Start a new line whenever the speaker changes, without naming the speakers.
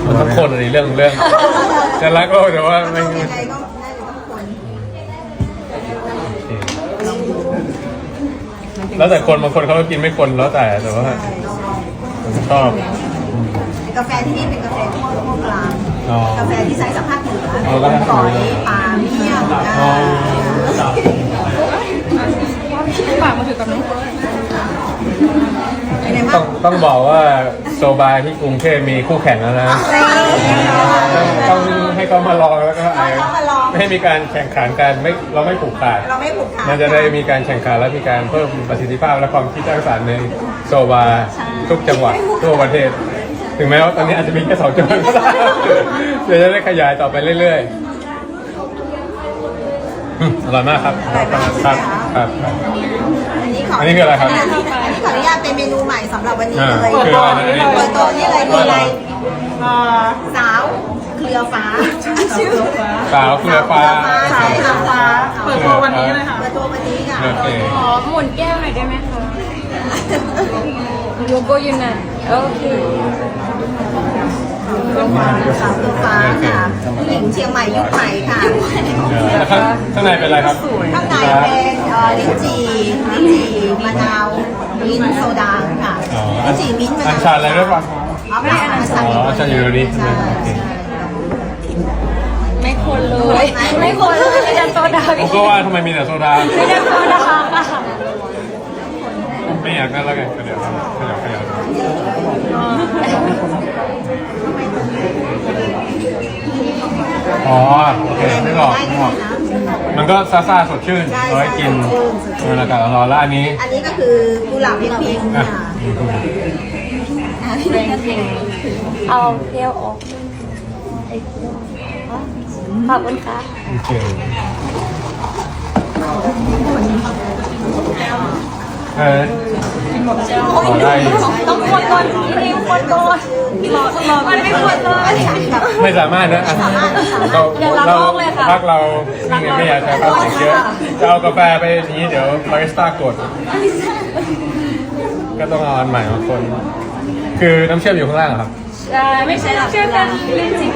มันต้องคนอะไรเรื่องจะรักโลกแต่ว่าไม่
ยังไงก็น่าจะต้องคน
แล้วแต่คนบางคนเขาก็กินไม่คนแล้วแต่ว่าผมชอบ
กาแฟที่นี่เป็นกาแฟพวกกลาง
อ๋อก
าแฟที่ใช้สภาพเหนือ
อ๋อก็ได้
ก่อยปลาเมี่ยง
ฝากมาถือกับน้อง
เป็นไง
ต้
บ้า
อง งต้องบอกว่าโซบาที่กรุงเทพมีคู่แข่งแล้วนะต้องให้เขามาลองแล้วก็ไม่ให้มีการแข่งขันกันเราไม่ผูกขาด
เราไม่ผูกขาด
มันจะได้มีการแข่งขันและมีการเพิ่มประสิทธิภาพและความคิดสร้างสรรค์ในโซบาทุกจังหวัดทั่วประเทศ ถึงแม้ว่าตอนนี้อาจจะมีแค่2 จังหวัดก็ได้เดี๋ยวจะได้ขยายต่อไปเรื่อยๆอร่อยมากครับครับอันนี้คืออะไรครับ
อันนี้ขออนุญาตเป็นเมนูใหม่สำหรับวันนี้เลย
เปิดตัวนี่เลย
เปิดตัวนี่เลยคืออะไรสาวเครือฟ้า
สาวเครือฟ้า
ใช่ค่ะฟ้า
เปิดตัววันนี้เลยค่ะ
เปิดตัววันนี้ค่ะ
โอเค
ขอหมุนแก้วหน่อยได้ไหมคะโลโก้ยูนันโอเค
สาวเครือฟ้าค่ะผู้หญิงเชียงใหม่ยุคใหม่ค่ะ
แล้วข้างในเป็นอะไรครับ
ข้างในเป็นลิ้นจี่มะนาวมิ้นท์โซดาค่ะ
อ๋อ
ลิ้นจี่มิ้นท์มะนาว
อัญชันอะไรด้วยป่ะ
ไม่อัญชัน
อ๋ออัญชันอยู่ตรงนี้ใช่ไหม
ใช่
โอเค
ไม่คนเลยไม่คนเลยไม่ดันโซดา
ผมก็ว่าทำไมมีแต่โซดา
ไม่ดันโซดาค่ะ
ไม่อยากนั่นแล้วไงเดี๋ยวขยับอ๋อโอเคนึกออกมันก็ซ่าสดชื่นเอาไว้กินบรรยากาศร้อนๆแล้วอันนี้
อันนี้ก็คือกุหลาบพริกค่ะ
เอาเที่ยวออกขอบคุณค่ะ
โอเคได้
ต้องคนก่อนรีบคนก่อนมันไม่ควรเลย
ไม่สามารถนะเราพักเราไม่อยากใช้พลาสติกเยอะจะเอากาแฟไปนี้เดี๋ยวบาริสต้ากดก็ต้องเอาอันใหม่มาคนคือน้ำเชื่อมอยู่ข้างล่างครับ
ใช่ไม่ใช่เชื่อกันเล่นจริง